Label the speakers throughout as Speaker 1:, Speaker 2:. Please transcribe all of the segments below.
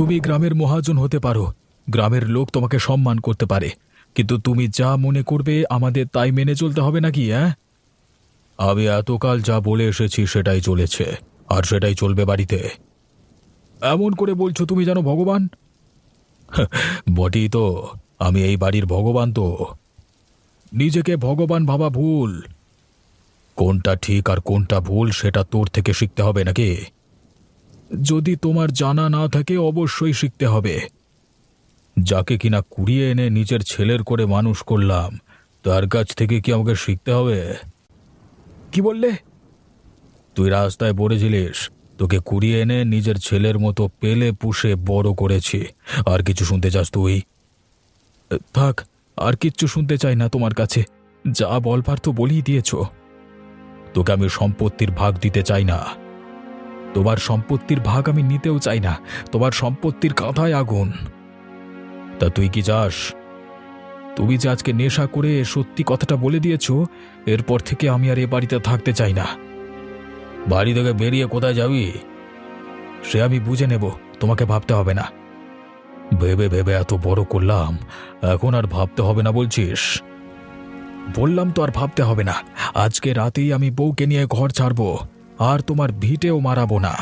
Speaker 1: তুমি গ্রামের মহাজন হতে পারো, গ্রামের লোক তোমাকে সম্মান করতে পারে, কিন্তু তুমি যা মনে করবে আমাদের তাই মেনে চলতে হবে নাকি? আমি এতকাল যা বলে এসেছি সেটাই চলেছে, আর সেটাই চলবে বাড়িতে। এমন করে বলছো তুমি জানো ভগবান? বটেই তো, আমি এই বাড়ির ভগবান তো। নিজেকে ভগবান ভাবা ভুল। কোনটা ঠিক আর কোনটা ভুল সেটা তোর থেকে শিখতে হবে নাকি? যদি তোমার জানা না থাকে অবশ্যই শিখতে হবে। যাকে কিনা কুড়িয়ে এনে নিজের ছেলের করে মানুষ করলাম, তার কাছ থেকে কি আমাকে শিখতে হবে? কি বললে? তুই রাস্তায় পড়েছিলিস, তোকে কুড়িয়ে এনে নিজের ছেলের মতো পেলে পুষে বড় করেছি। আর কিছু শুনতে চাস তুই? থাক, আর কিচ্ছু শুনতে চাই না তোমার কাছে। যা বলবার তো বলেই দিয়েছ। তোকে আমি সম্পত্তির ভাগ দিতে চাই না। তোমার সম্পত্তির ভাগ আমি নিতেও চাই না। তোমার সম্পত্তির কাঁথায় আগুন। তা তুই কি চাস? তুমি যে আজকে নেশা করে সত্যি কথাটা বলে দিয়েছ, এরপর থেকে আমি আর এ বাড়িতে থাকতে চাই না। বাড়ি থেকে বেরিয়ে কোথায় যাবি সে আমি বুঝে নেব, তোমাকে ভাবতে হবে না। ভেবে ভেবে এত বড় করলাম, এখন আর ভাবতে হবে না বলছিস? বললাম তো আর ভাবতে হবে না। আজকে রাতেই আমি বউকে নিয়ে ঘর ছাড়বো, আর তোমার ভিটেও মারাবো না।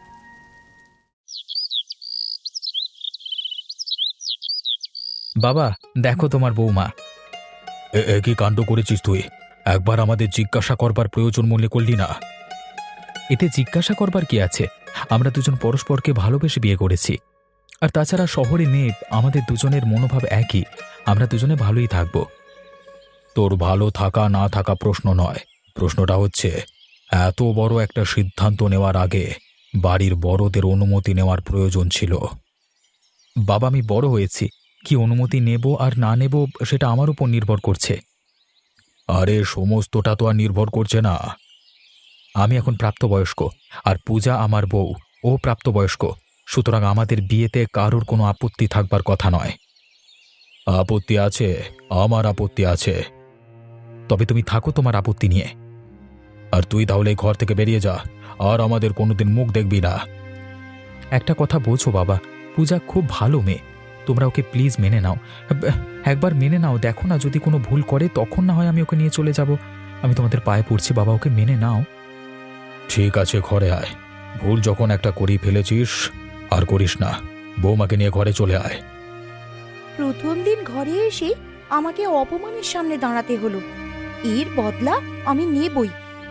Speaker 1: বাবা, দেখো তোমার বৌমা। কি কাণ্ড করেছিস তুই? একবার আমাদের জিজ্ঞাসা করবার প্রয়োজন মনে করলি না? এতে জিজ্ঞাসা করবার কি আছে? আমরা দুজন পরস্পরকে ভালোবেসে বিয়ে করেছি। আর তাছাড়া শহরে মেয়ে, আমাদের দুজনের মনোভাব একই। আমরা দুজনে ভালোই থাকব। তোর ভালো থাকা না থাকা প্রশ্ন নয়, প্রশ্নটা হচ্ছে এত বড় একটা সিদ্ধান্ত নেওয়ার আগে বাড়ির বড়দের অনুমতি নেওয়ার প্রয়োজন ছিল। বাবা, আমি বড় হয়েছি, কি অনুমতি নেব আর না নেব সেটা আমার উপর নির্ভর করছে। আরে সমস্তটা তো আর নির্ভর করছে না। আমি এখন প্রাপ্তবয়স্ক, আর পূজা আমার বউ, ও প্রাপ্তবয়স্ক। সুতরাং আমাদের বিয়েতে কারোর কোনো আপত্তি থাকবার কথা নয়। আপত্তি আছে, আমার আপত্তি আছে। তবে তুমি থাকো তোমার আপত্তি নিয়ে। আর তুই তাহলে এই ঘর থেকে বেরিয়ে যা, আর আমাদের কোনোদিন মুখ দেখবি না। একটা কথা বোঝো বাবা, পূজা খুব ভালো মেয়ে। তোমরা ওকে প্লিজ মেনে নাও। একবার মেনে নাও, দেখো না যদি কোনো ভুল করে তখন না হয় আমি ওকে নিয়ে চলে যাব। আমি তোমাদের পায়ে পড়ছি বাবা, ওকে মেনে নাও। ঠিক আছে, ঘরে আয়। ভুল যখন একটা করেই ফেলেছিস আর করিস না। বৌমাকে নিয়ে ঘরে চলে আয়।
Speaker 2: প্রথম দিন ঘরে এসে আমাকে অপমানের সামনে দাঁড়াতে হলো। এর বদলা আমি নেবই।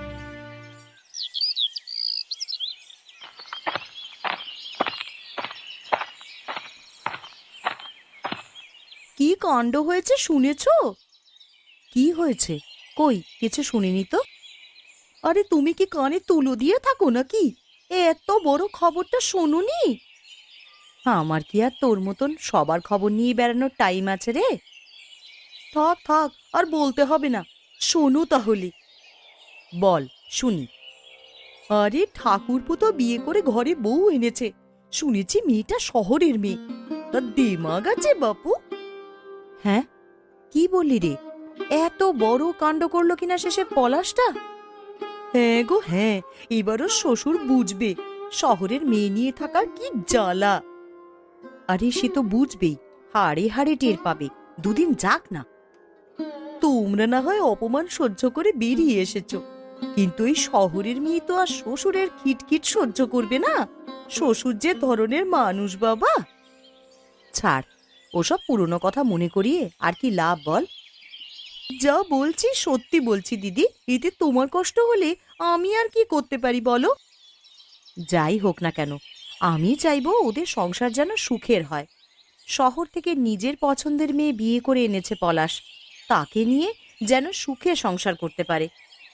Speaker 2: কি কাণ্ড হয়েছে শুনেছ? কি হয়েছে? কই কিছু শুনিনি তো। আরে তুমি কি কানে তুলো দিয়ে থাকো নাকি? এত বড় খবরটা শোনোনি? আমার কি আর তোর মতন সবার খবর নিয়ে বেড়ানোর টাইম আছে রে? থাক থাক, আর বলতে হবে না। শোনো তাহলে। বল, শুনি। আরে ঠাকুরপো তো বিয়ে করে ঘরে বউ এনেছে। শুনেছি মেয়েটা শহরের মেয়ে। তার দিমাগ আছে বাপু। হ্যাঁ, কি বললি রে? এত বড় কাণ্ড করলো কিনা শেষে পলাশটা? হ্যাঁ গো হ্যাঁ, এবারও শ্বশুর বুঝবে শহরের মেয়ে নিয়ে থাকার কি জ্বালা। আরে সে তো বুঝবেই, হাড়ে হাড়ে টের পাবে। দুদিন যাক না। তোমরা না হয় অপমান সহ্য করে বেরিয়ে এসেছো, কিন্তু এই শহরের মেয়ে তো আর শ্বশুরের খিটখিট সহ্য করবে না। শ্বশুর যে ধরনের মানুষ বাবা। ছাড়, ওসব পুরনো কথা মনে করিয়ে আর কি লাভ বল? যা বলছি সত্যি বলছি দিদি, এতে তোমার কষ্ট হলে আমি আর কি করতে পারি বলো? যাই হোক না কেন, আমি চাইবো ওদের সংসার যেন সুখের হয়। শহর থেকে নিজের পছন্দের মেয়ে বিয়ে করে এনেছে পলাশ, তাকে নিয়ে যেন সুখে সংসার করতে পারে।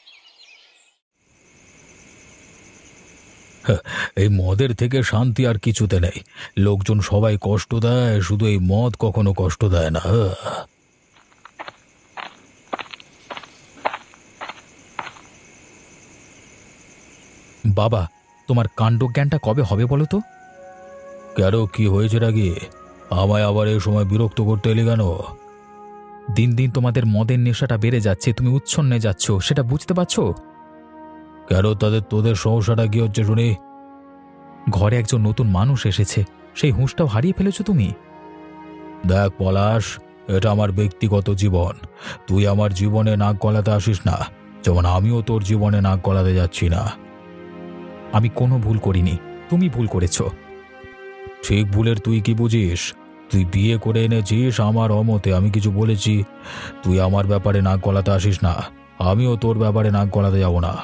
Speaker 1: এই মদের থেকে শান্তি আর কিছুতে নেই। লোকজন সবাই কষ্ট দেয়, শুধু এই মদ কখনো কষ্ট দেয় না। বাবা, তোমার কাণ্ডজ্ঞানটা কবে হবে বলো তো? কেন, কি হয়েছে নাকি? আমায় আবার এই সময় বিরক্ত করতে এলি কেন? দিন দিন তোমাদের মদের নেশাটা বেড়ে যাচ্ছে, তুমি উচ্ছন্নে যাচ্ছ, সেটা বুঝতে পারছো? কেন, তোদের সমস্যাটা কি হচ্ছে শুনি? ঘরে একজন নতুন মানুষ এসেছে, সেই হুঁশটাও হারিয়ে ফেলেছো তুমি। দেখ পলাশ, এটা আমার ব্যক্তিগত জীবন। তুই আমার জীবনে নাক গলাতে আসিস না, যেমন আমিও তোর জীবনে নাক গলাতে যাচ্ছি না। আমি কোনো ভুল করিনি, তুমি ভুল করেছো। ঠিক ভুলের তুই কি বুঝিস? তুই বিয়ে করে এনেছিস আমার অমতে, আমি কিছু বলেছি? তুই আমার ব্যাপারে নাক গলাতে আসিস না, আমিও তোর ব্যাপারে নাক গলাতে যাব না।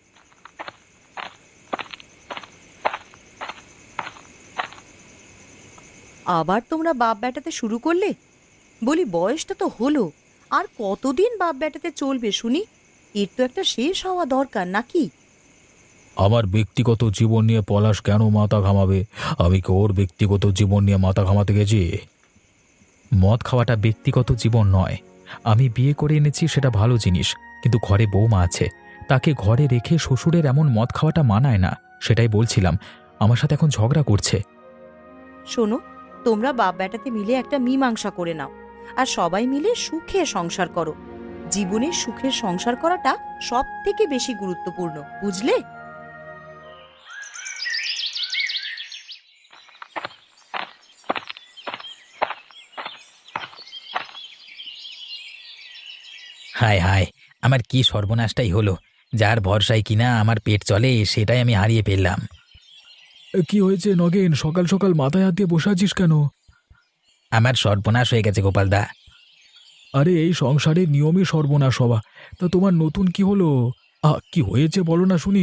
Speaker 2: আবার তোমরা বাপ বেটাতে শুরু করলে? বলি বয়সটা তো হলো, আর কতদিন বাপ বেটাতে চলবে শুনি? এর তো একটা শেষ হওয়া দরকার নাকি?
Speaker 1: আমার ব্যক্তিগত জীবন নিয়ে পলাশ কেন মাথা ঘামাবে? আমি কি ওর ব্যক্তিগত জীবন নিয়ে মাথা ঘামাতে গেছি? মদ খাওয়াটা ব্যক্তিগত জীবন নয়। আমি বিয়ে করে এনেছি সেটা ভালো জিনিস, কিন্তু ঘরে বৌমা আছে, তাকে ঘরে রেখে শ্বশুরের এমন মদ খাওয়াটা মানায় না। সেটাই বলছিলাম, আমার সাথে এখন ঝগড়া করছে।
Speaker 2: শোনো, তোমরা বাপ বেটাতে মিলে একটা মীমাংসা করে নাও, আর সবাই মিলে সুখে সংসার করো। জীবনে সুখের সংসার করাটা সব থেকে বেশি গুরুত্বপূর্ণ, বুঝলে?
Speaker 3: হায় হায়, আমার কি সর্বনাশটাই হলো! যার ভরসায় কিনা আমার পেট চলে সেটাই আমি হারিয়ে ফেললাম।
Speaker 1: কি হয়েছে নগেন? সকাল সকাল মাথায় হাত দিয়ে বসে আছিস কেন?
Speaker 3: আমার সর্বনাশ হয়ে গেছে গোপালদা।
Speaker 1: আরে এই সংসারের নিয়মই সর্বনাশ হওয়া। তা তোমার নতুন কি হলো? কি হয়েছে বলো না শুনি।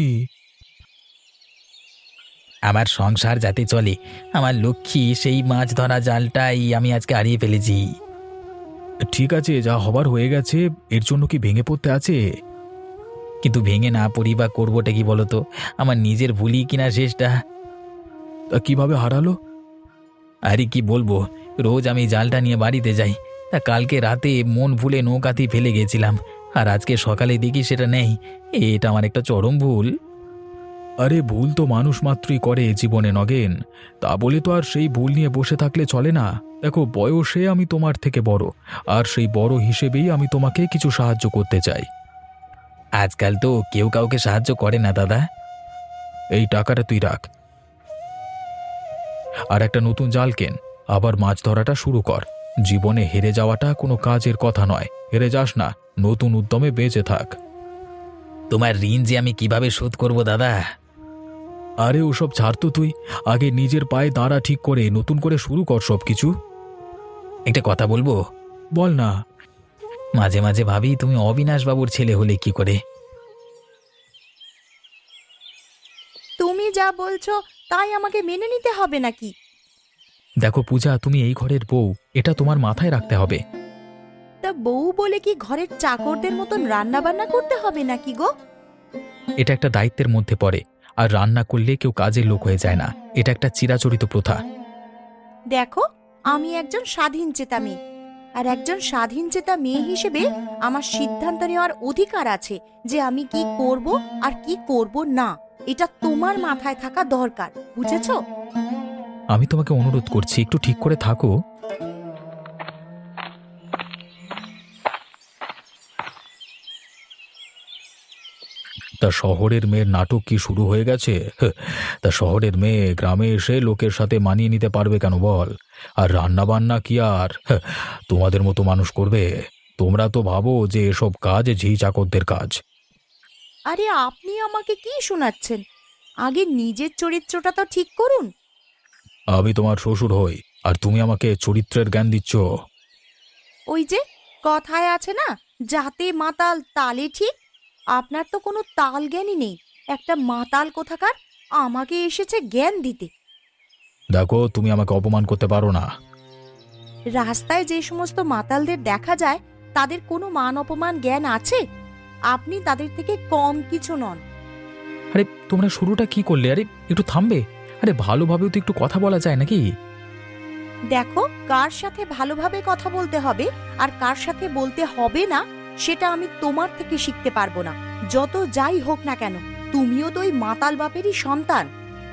Speaker 3: আমার সংসার যাতে চলে, আমার লক্ষ্মী সেই মাছ ধরা জালটাই আমি আজকে হারিয়ে ফেলেছি।
Speaker 1: ঠিক আছে, যা হবার হয়ে গেছে, এর জন্য কি ভেঙে পড়তে আছে?
Speaker 3: কিন্তু ভেঙে না পড়ি বা করবোটা কি বলতো? আমার নিজের ভুলই কিনা শেষটা।
Speaker 1: তা কিভাবে হারালো?
Speaker 3: আরে কি বলবো, রোজ আমি জালটা নিয়ে বাড়িতে যাই, তা কালকে রাতে মন ভুলে নৌকাতেই ফেলে গেছিলাম, আর আজকে সকালে দেখি সেটা নেই। এটা আমার একটা চরম ভুল।
Speaker 1: আরে ভুল তো মানুষ মাত্রই করে জীবনে নগেন, তা বলে তো আর সেই ভুল নিয়ে বসে থাকলে চলে না। দেখো, বয়সে আমি তোমার থেকে বড়, আর সেই বড় হিসেবেই আমি তোমাকে কিছু সাহায্য করতে চাই।
Speaker 3: আজকাল তো কেউ কাউকে সাহায্য করে না দাদা।
Speaker 1: এই টাকাটা তুই রাখ, আর একটা নতুন জাল কেন, আবার মাছ ধরাটা শুরু কর। জীবনে হেরে যাওয়াটা কোনো কাজের কথা নয়, হেরে যাস না, নতুন উদ্যমে বেঁচে থাক।
Speaker 3: তোমার ঋণ যে আমি কিভাবে শোধ করব দাদা?
Speaker 1: আরে ওসব ছাড় তো, তুই আগে নিজের পায়ে দাঁড়া ঠিক করে নতুন করে শুরু কর সব কিছু।
Speaker 3: একটা কথা বলবো?
Speaker 1: বল না।
Speaker 3: মাঝে মাঝে ভাবি তুমি অবিনাশ বাবুর ছেলে হলে কি করে।
Speaker 2: তুমি যা বলছো তাই আমাকে মেনে নিতে হবে নাকি?
Speaker 1: দেখো পূজা, তুমি এই ঘরের বউ, এটা তোমার মাথায় রাখতে হবে।
Speaker 2: তা বউ বলে কি ঘরের চাকরদের মতন রান্না বান্না করতে হবে নাকি গো?
Speaker 1: এটা একটা দায়িত্বের মধ্যে পড়ে, আর রান্না করলে কেউ কাজের লোক হয়ে যায় না। এটা একটা চিরাচরিত প্রথা।
Speaker 2: দেখো, আমি একজন স্বাধীনচেতা মেয়ে, আর একজন স্বাধীনচেতা মেয়ে হিসেবে আমার সিদ্ধান্ত নেওয়ার অধিকার আছে যে আমি কি করব আর কি করব না। এটা তোমার মাথায় থাকা দরকার, বুঝেছো?
Speaker 1: আমি তোমাকে অনুরোধ করছি, একটু ঠিক করে থাকো। তা শহরের মেয়ের নাটক কি শুরু হয়ে গেছে? তা শহরের মেয়ে গ্রামে এসে লোকের সাথে মানিয়ে নিতে পারবে কেন বল? আর রান্না বান্না কি আর তোমাদের মতো মানুষ করবে? তোমরা তো ভাবো যে এসব কাজ ঝি চাকরদের কাজ।
Speaker 2: আরে আপনি আমাকে কি শোনাচ্ছেন? আগে নিজের চরিত্রটা তো ঠিক করুন।
Speaker 1: আমি তোমার শ্বশুর হই, আর তুমি আমাকে চরিত্রের জ্ঞান দিচ্ছ?
Speaker 2: ওই যে কথায় আছে না, যাতে মাতাল তালে ঠিক। আপনার তো কোনো তাল জ্ঞানই নেই, একটা মাতাল কোথাকার আমাকে এসেছে জ্ঞান দিতে।
Speaker 1: দেখো, তুমি আমাকে অপমান করতে পারো না।
Speaker 2: রাস্তায় যে সমস্ত মাতালদের দেখা যায় তাদের কোনো মান অপমান জ্ঞান আছে? আপনি তাদের থেকে কম কিছু নন।
Speaker 1: আরে তোমরা শুরুটা কি করলে? আরে একটু থামবে? আরে ভালোভাবেও তো একটু কথা বলা যায় নাকি?
Speaker 2: দেখো, কার সাথে ভালোভাবে কথা বলতে হবে আর কার সাথে বলতে হবে না সেটা আমি তোমার থেকে শিখতে পারবো না। যত যাই হোক না কেন, তুমিও তো ওই মাতাল বাপেরই সন্তান।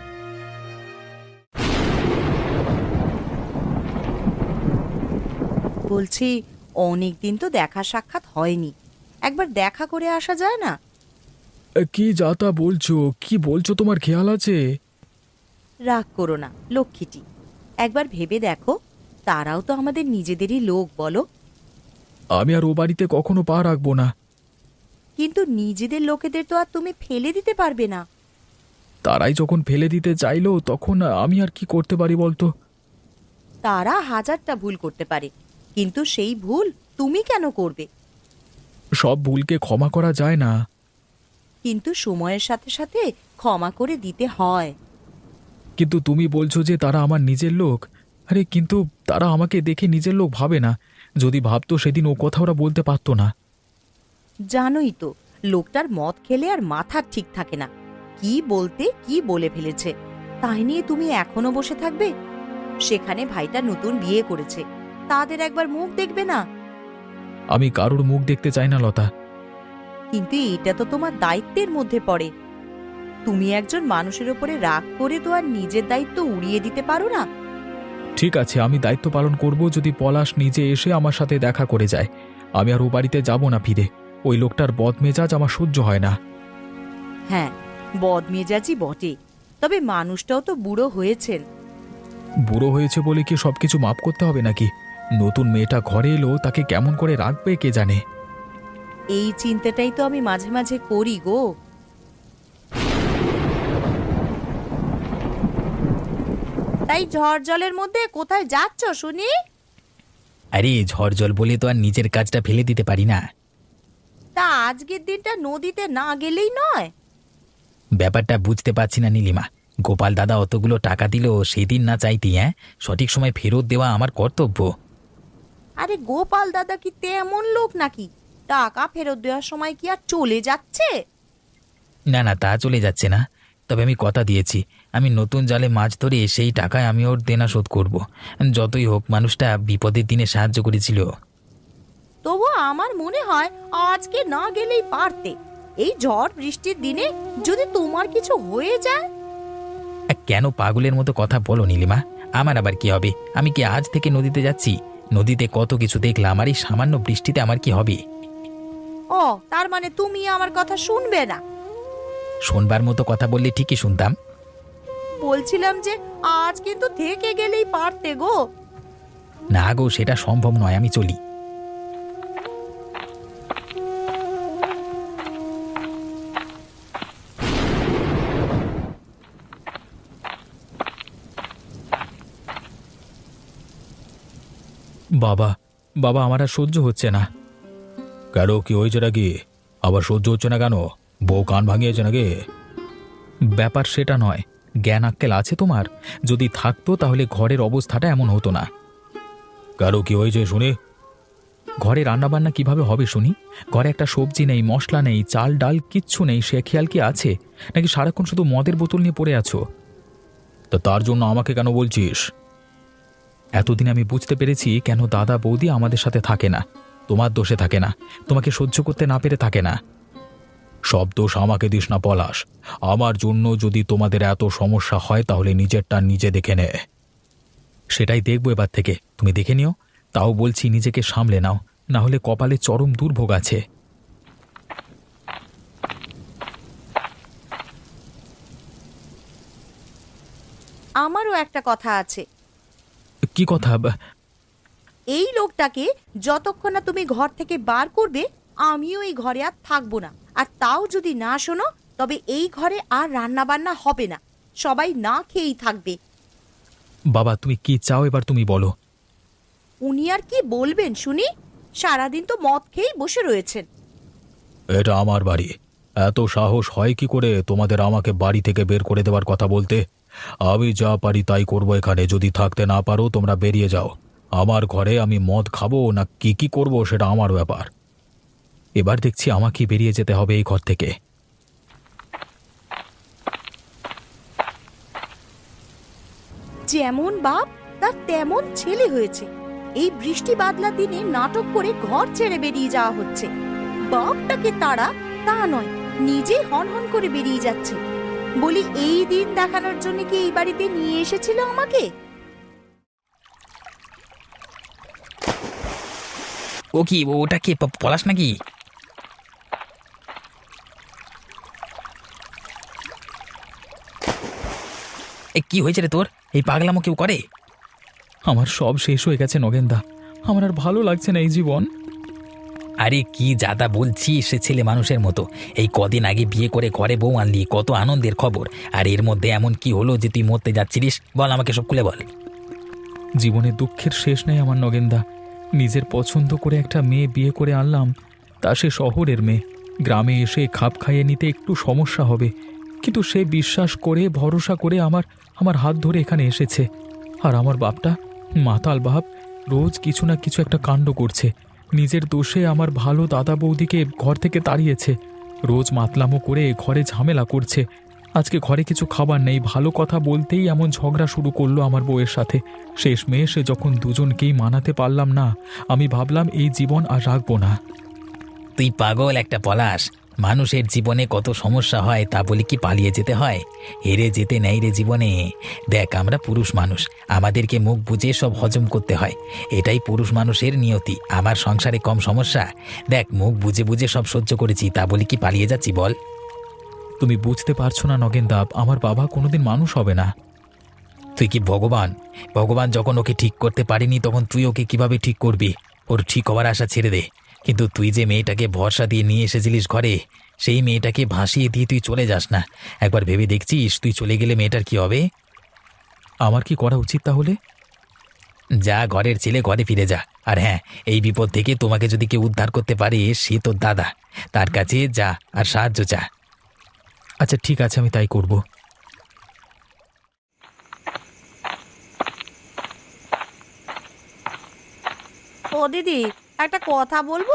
Speaker 2: বলছি, অনেকদিন তো দেখা সাক্ষাৎ হয়নি, একবার দেখা করে আসা যায় না?
Speaker 1: কি যা তা বলছো? কি বলছো, তোমার খেয়াল আছে?
Speaker 2: রাগ করো না লক্ষ্মীটি, একবার ভেবে দেখো, তারাও তো আমাদের নিজেদেরই লোক, বলো।
Speaker 1: আমি আর ও বাড়িতে কখনো পা রাখবো না।
Speaker 2: কিন্তু নিজেদের লোকেদের তো আর তুমি ফেলে দিতে পারবে না।
Speaker 1: তারাই যখন ফেলে দিতে চাইলো তখন আমি আর কি করতে পারি বলতো?
Speaker 2: তারা হাজারটা ভুল করতে পারে, কিন্তু সেই ভুল তুমি কেন করবে?
Speaker 1: সব ভুলকে ক্ষমা করা যায় না।
Speaker 2: কিন্তু সময়ের সাথে সাথে ক্ষমা করে দিতে হয়।
Speaker 1: কিন্তু তুমি বলছো যে তারা আমার নিজের লোক। আরে কিন্তু তারা আমাকে দেখে নিজের লোক ভাবে না। যদি ভাবতো সেদিন ও কথা ওরা বলতে পারতো না।
Speaker 2: জানোই তো, লোকটার মদ খেলে আর মাথা ঠিক থাকে না, কি বলতে কি বলে ফেলেছে। তাই নিয়ে তুমি এখনো বসে থাকবে? সেখানে ভাইটা নতুন বিয়ে করেছে, তাদের একবার মুখ দেখবে না?
Speaker 1: আমি কারোর মুখ দেখতে চাই না লতা।
Speaker 2: কিন্তু এটা তো তোমার দায়িত্বের মধ্যে পড়ে। তুমি একজন মানুষের উপরে রাগ করে তো আর নিজের দায়িত্ব উড়িয়ে দিতে পারো না।
Speaker 1: ঠিক আছে, আমি দায়িত্ব পালন করব যদি পলাশ নিজে এসে আমার সাথে দেখা করে যায়। আমি আর ও বাড়িতে যাব না ফিরে। ওই লোকটার বদমেজাজ আমার সহ্য হয় না।
Speaker 2: হ্যাঁ, বদমেজাজি বটে, তবে মানুষটাও তো বুড়ো হয়েছেন।
Speaker 1: বুড়ো হয়েছে বলে কি সবকিছু মাপ করতে হবে নাকি? নতুন মেয়েটা ঘরে এলো, তাকে কেমন করে রাখবে কে জানে।
Speaker 2: এই চিন্তাটাই তো আমি মাঝে মাঝে করি গো। তাই ঝড় জলের মধ্যে কোথায় যাচ্ছ শুনি?
Speaker 3: আরে ঝড় জল বলে তো আর নিজের কাজটা ফেলে দিতে পারি না।
Speaker 2: তা আজকের দিনটা নদীতে না গেলেই নয়?
Speaker 3: ব্যাপারটা বুঝতে পারছি না নীলিমা। গোপাল দাদা অতগুলো টাকা দিল, সেদিন না চাইতি সঠিক সময় ফেরত দেওয়া আমার কর্তব্য।
Speaker 2: আরে গোপাল দাদা কি তেমন লোক নাকি? টাকা ফেরত দেওয়ার সময় কি আর চলে যাচ্ছে?
Speaker 3: না না, তা চলে যাচ্ছে না। তবে আমি কথা দিয়েছি, আমি নতুন জালে মাছ ধরে সেই টাকায় আমি ওর দেনা শোধ করব। যতই হোক মানুষটা বিপদের দিনে সাহায্য করেছিল।
Speaker 2: তবু আমার মনে হয় আজকে না গেলেই পারতে। এই ঝড় বৃষ্টির দিনে যদি তোমার কিছু হয়ে যায়।
Speaker 3: কেন পাগলের মতো কথা বলো নীলিমা? আমার আবার কি হবে? আমি কি আজ থেকে নদীতে যাচ্ছি? নদীতে কত কিছু দেখলাম, আর এই সামান্য বৃষ্টিতে আমার কি হবে?
Speaker 2: ও, তার মানে তুমি আমার কথা শুনবে না?
Speaker 3: শোনবার মতো কথা বললে ঠিকই শুনতাম।
Speaker 2: বলছিলাম যে আজ কিন্তু থেকে গেলেই পারতে গো।
Speaker 3: না গো, সেটা সম্ভব নয়, আমি চলি।
Speaker 1: বাবা, বাবা, আমার আর সহ্য হচ্ছে না। কেন, কি হয়েছে নাকি? আবার সহ্য হচ্ছে না কেন? বউ কান ভাঙিয়েছে নাকি? ব্যাপার সেটা নয়। জ্ঞান আক্কেল আছে তোমার? যদি থাকতো তাহলে ঘরের অবস্থাটা এমন হতো না। কারো কি হয়েছে শুনি? ঘরে রান্নাবান্না কিভাবে হবে শুনি? ঘরে একটা সবজি নেই, মশলা নেই, চাল ডাল কিচ্ছু নেই, সে খেয়াল কি আছে? নাকি সারাক্ষণ শুধু মদের বোতল নিয়ে পড়ে আছো? তা তার জন্য আমাকে কেন বলছিস? এতদিন আমি বুঝতে পেরেছি কেন দাদা বৌদি আমাদের সাথে থাকে না। তোমার দোষে থাকে না, তোমাকে সহ্য করতে না পেরে থাকে না। সব দোষ আমাকে দিস না পলাশ। আমার জন্য যদি তোমাদের এত সমস্যা হয় তাহলে নিজেরটা নিজে দেখে নে। সেটাই দেখবো এবার থেকে, তুমি দেখে নিও। তাও বলছি নিজেকে সামলে নাও, না হলে কপালে চরম দুর্ভোগ আছে।
Speaker 2: আমারও একটা কথা আছে।
Speaker 1: কি কথা?
Speaker 2: এই লোকটাকে যতক্ষণ না তুমি ঘর থেকে বার করবে, আমিও এই ঘরে আর থাকবো না। আর তাও যদি না শোনো, তবে এই ঘরে আর রান্না বান্না হবে না, সবাই না খেয়েই থাকবে।
Speaker 1: বাবা, তুমি কি চাও এবার তুমি বলো।
Speaker 2: উনি আর কি বলবেন শুনি? সারাদিন তো মদ খেয়েই বসে রয়েছেন।
Speaker 1: এটা আমার বাড়ি, এত সাহস হয় কি করে তোমাদের আমাকে বাড়ি থেকে বের করে দেওয়ার কথা বলতে? আমি যা পারি তাই করবো এখানে। যদি থাকতে না পারো তোমরা বেরিয়ে যাও। আমার ঘরে আমি মদ খাবো না কি কি করবো সেটা আমার ব্যাপার। এবার দেখছি আমাকে বেরিয়ে যেতে হবে এই ঘর থেকে।
Speaker 2: যেমন বাপ তার তেমন ছেলে হয়েছে। এই বৃষ্টি বাদলা দিনে নাটক করে ঘর ছেড়ে বেরিয়ে যাওয়া হচ্ছে। বাপটাকে তারা তা নয়, নিজে হন হন করে বেরিয়ে যাচ্ছে। বলি, এই দিন দেখানোর জন্য কি এই বাড়িতে নিয়ে এসেছিল আমাকে?
Speaker 3: ও কি, ওটা কি পলাশ নাকি? কি হয়েছে রে তোর? এই পাগলামো কেউ করে?
Speaker 1: আমার সব শেষ হয়ে গেছে নগেনদা, আমার আর ভালো লাগছে না এই জীবন।
Speaker 3: আরে কি যাতা বলছিস সে ছেলে মানুষের মতো? এই কদিন আগে বিয়ে করে ঘরে বউ আনলি, কত আনন্দের খবর। আর এর মধ্যে এমন কি হলো যে তুই মরতে যাচ্ছিলিস? বল, আমাকে সব খুলে বল।
Speaker 1: জীবনে দুঃখের শেষ নেই আমার নগেনদা। নিজের পছন্দ করে একটা মেয়ে বিয়ে করে আনলাম, তা সে শহরের মেয়ে। গ্রামে এসে খাপ খাইয়ে নিতে একটু সমস্যা হবে, কিন্তু সে বিশ্বাস করে ভরসা করে আমার আমার হাত ধরে এখানে এসেছে। আর আমার বাপটা মাতাল বাপ, রোজ কিছু না কিছু একটা কাণ্ড করছে। নিজের দোষে আমার ভালো দাদা বৌদিকে ঘর থেকে তাড়িয়েছে, রোজ মাতলামো করে ঘরে ঝামেলা করছে। আজকে ঘরে কিছু খাবার নেই, ভালো কথা বলতেই এমন ঝগড়া শুরু করলো আমার বউয়ের সাথে। শেষমেশ যখন দুজনকেই মানাতে পারলাম না, আমি ভাবলাম এই জীবন আর রাখবো না।
Speaker 3: তুই পাগল একটা পলাশ। মানুষের জীবনে কত সমস্যা হয়, তা বলে কি পালিয়ে যেতে হয়? হেরে যেতে নেই রে জীবনে। দেখ, আমরা পুরুষ মানুষ, আমাদেরকে মুখ বুজে সব হজম করতে হয়। এটাই পুরুষ মানুষের নিয়তি। আমার সংসারে কম সমস্যা, দেখ মুখ বুজে বুজে সব সহ্য করেছি, তা বলে কি পালিয়ে যাচ্ছি বল?
Speaker 1: তুমি বুঝতে পারছো না নগেনদা, আমার বাবা কোনোদিন মানুষ হবে না।
Speaker 3: তুই কি ভগবান? ভগবান যখন ওকে ঠিক করতে পারিনি, তখন তুই ওকে কিভাবে ঠিক করবি? ওর ঠিক হওয়ার আশা ছেড়ে দে। কিন্তু তুই যে মেয়েটাকে ভরসা দিয়ে নিয়ে এসেছিলিস ঘরে, সেই মেয়েটাকে ভাসিয়ে দিয়ে তুই চলে যাস না। একবার ভেবে দেখছিস তুই চলে গেলে মেয়েটার কি হবে?
Speaker 1: আমার কি করা উচিত তাহলে?
Speaker 3: যা, ঘরের ছেলে ঘরে ফিরে যা। আর হ্যাঁ, এই বিপদ থেকে তোমাকে যদি কেউ উদ্ধার করতে পারে, সে তোর দাদা। তার কাছে যা আর সাহায্য চা।
Speaker 1: আচ্ছা ঠিক আছে, আমি তাই করব।
Speaker 2: ও দিদি, একটা কথা বলবো?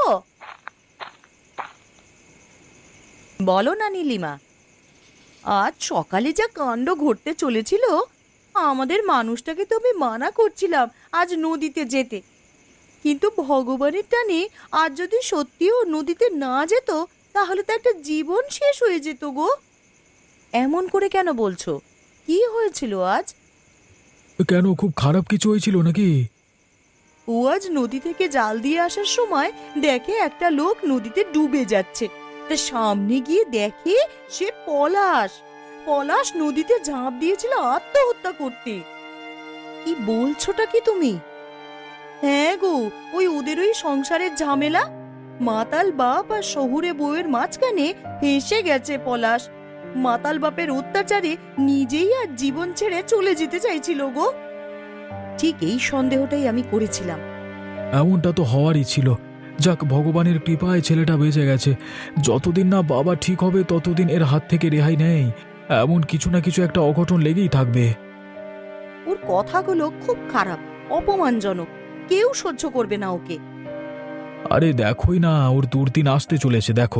Speaker 2: বলো না নীলিমা। আজ সকালে যা কাণ্ড ঘটতে চলেছিল, আমাদের মানুষটাকে তো আমি মানা করছিলাম আজ নদীতে যেতে, কিন্তু ভগবানের টানে আজ যদি সত্যিও নদীতে না যেত, তাহলে তো একটা জীবন শেষ হয়ে যেত গো। এমন করে কেন বলছো? কি হয়েছিল আজ?
Speaker 1: কেন, খুব খারাপ কিছু হয়েছিল নাকি?
Speaker 2: ও আজ নদী থেকে জাল দিয়ে আসার সময় দেখে একটা লোক নদীতে ডুবে যাচ্ছে। তা সামনে গিয়ে দেখে সে পলাশ। পলাশ নদীতে ঝাঁপ দিয়েছিল আত্মহত্যা করতে। কি বলছোটা কি তুমি? হ্যাঁ গো, ওদের ওই সংসারের ঝামেলা, মাতাল বাপ আর শহুরে বউয়ের মাঝখানে ফেঁসে গেছে পলাশ। মাতাল বাপের অত্যাচারে নিজেই আর জীবন ছেড়ে চলে যেতে চাইছিল গো। ঠিক এই সন্দেহটাই আমি করেছিলাম।
Speaker 1: এমনটা তো হওয়ারই ছিল। যাক, ভগবানের কৃপায় ছেলেটা বেঁচে গেছে। যতদিন না বাবা ঠিক হবে, ততদিন এর হাত থেকে রেহাই নেই। এমন কিছু না কিছু একটা অঘটন লেগেই থাকবে।
Speaker 2: ওর কথাগুলো খুব খারাপ, অপমানজনক, কেউ সহ্য করবে না ওকে।
Speaker 1: আরে দেখোই না, ওর দুর্দিন আসতে চলেছে, দেখো।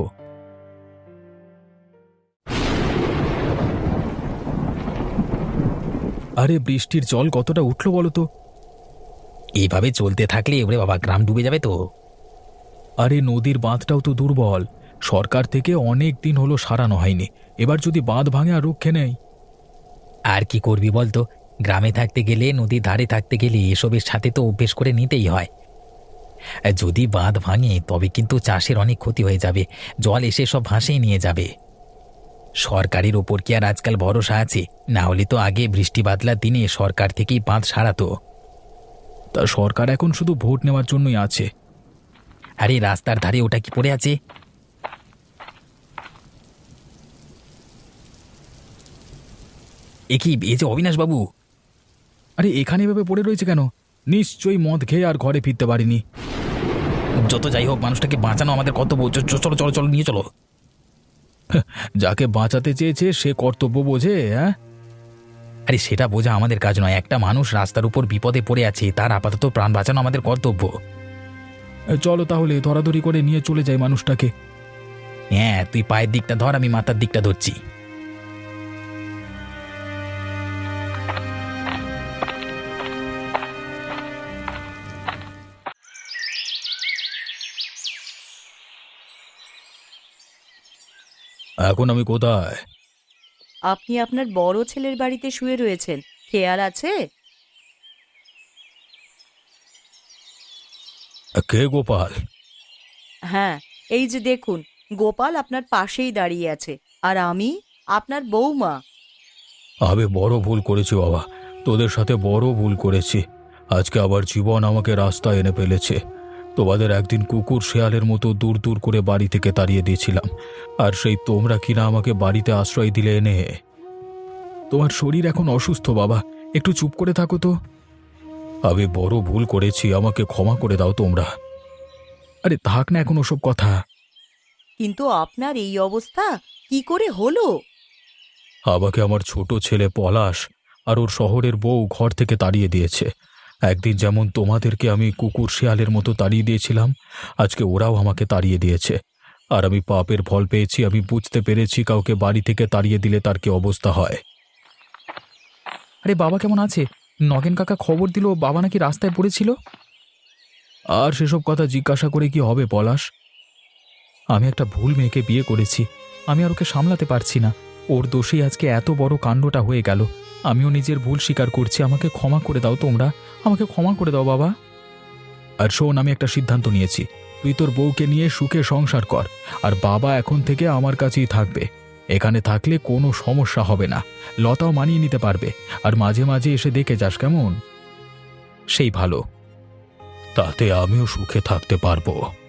Speaker 1: আরে বৃষ্টির জল কতটা উঠলো বলো তো?
Speaker 3: এইভাবে চলতে থাকলে ওরে বাবা, গ্রাম ডুবে যাবে তো।
Speaker 1: আরে নদীর বাঁধটাও তো দুর্বল, সরকার থেকে অনেক দিন হলো সারানো হয়নি। এবার যদি বাঁধ ভাঙে আর রক্ষে নেই।
Speaker 3: আর কি করবি বলতো? গ্রামে থাকতে গেলে, নদীর ধারে থাকতে গেলে এসবের সাথে তো অভ্যেস করে নিতেই হয়। যদি বাঁধ ভাঙে তবে কিন্তু চাষের অনেক ক্ষতি হয়ে যাবে, জল এসে সব ভাসিয়ে নিয়ে যাবে। সরকারের ওপর কি আর আজকাল ভরসা আছে? না হলে তো আগে বৃষ্টি বাদলার দিনে সরকার থেকেই বাঁধ সারাতো।
Speaker 1: তা সরকার এখন শুধু ভোট নেওয়ার জন্যই আছে।
Speaker 3: আরে রাস্তার ধারে ওটা কি পড়ে আছে? এই যে অবিনাশ বাবু।
Speaker 1: আরে এখানে এভাবে পড়ে রয়েছে কেন? নিশ্চয়ই মদ খেয়ে আর ঘরে ফিরতে পারিনি।
Speaker 3: যত যাই হোক, মানুষটাকে বাঁচানো আমাদের কর্তব্য। চলো চলো চলো, নিয়ে চলো।
Speaker 1: যাকে বাঁচাতে চেয়েছে সে কর্তব্য বোঝে, হ্যাঁ?
Speaker 3: আরে সেটা বোঝা আমাদের কাজ নয়। একটা মানুষ রাস্তার উপর বিপদে পড়ে আছে, তার আপাতত প্রাণ বাঁচানো আমাদের কর্তব্য।
Speaker 1: চলো তাহলে ধরাধরি করে নিয়ে চলে যাই মানুষটাকে।
Speaker 3: হ্যাঁ, তুই পায়ের দিকটা ধর, আমি মাথার দিকটা ধরছি।
Speaker 1: এখন আমি কোথায়?
Speaker 2: আপনি আপনার বড় ছেলের বাড়িতে শুয়ে রয়েছেন, খেয়াল আছে?
Speaker 1: কে গোপাল?
Speaker 2: হ্যাঁ, এই যে দেখুন, গোপাল আপনার পাশেই দাঁড়িয়ে আছে, আর আমি আপনার বৌমা।
Speaker 1: আমি বড় ভুল করেছি বাবা, তোদের সাথে বড় ভুল করেছি। আজকে আবার জীবন আমাকে রাস্তায় এনে ফেলেছে। তোমাদের একদিন কুকুর শেয়ালের মতো দূর দূর করে বাড়ি থেকে তাড়িয়ে দিয়েছিলাম, আর সেই তোমরা কিনা আমাকে বাড়িতে আশ্রয় দিলে এনে। তোমার শরীর এখন অসুস্থ বাবা, একটু চুপ করে থাকো তো। আমি বড় ভুল করেছি, আমাকে ক্ষমা করে দাও তোমরা। আরে থাক না এখন ওসব কথা।
Speaker 2: কিন্তু আপনার এই অবস্থা কি করে হলো?
Speaker 1: আমাকে আমার ছোট ছেলে পলাশ আর ওর শহরের বউ ঘর থেকে তাড়িয়ে দিয়েছে। একদিন যেমন তোমাদেরকে আমি কুকুর শেয়ালের মতো তাড়িয়ে দিয়েছিলাম, আজকে ওরাও আমাকে তাড়িয়ে দিয়েছে। আর আমি পাপের ফল পেয়েছি। আমি বুঝতে পেরেছি কাউকে বাড়ি থেকে তাড়িয়ে দিলে তার কি অবস্থা হয়।
Speaker 3: আরে বাবা কেমন আছে? নগেন কাকা খবর দিল বাবা নাকি রাস্তায় পড়েছিল।
Speaker 1: আর সেসব কথা জিজ্ঞাসা করে কি হবে পলাশ?
Speaker 3: আমি একটা ভুল মেয়েকে বিয়ে করেছি, আমি আর ওকে সামলাতে পারছি না। ওর দোষেই আজকে এত বড় কাণ্ডটা হয়ে গেল। আমিও নিজের ভুল স্বীকার করছি, আমাকে ক্ষমা করে দাও তোমরা, আমাকে ক্ষমা করে দাও বাবা।
Speaker 1: আর শোন, আমি একটা সিদ্ধান্ত নিয়েছি। তুই তোর বউকে নিয়ে সুখে সংসার কর, আর বাবা এখন থেকে আমার কাছেই থাকবে। এখানে থাকলে কোনো সমস্যা হবে না, লতাও মানিয়ে নিতে পারবে। আর মাঝে মাঝে এসে দেখে যাস, কেমন?
Speaker 3: সেই ভালো।
Speaker 1: তাতে আমিও সুখে থাকতে পারবো।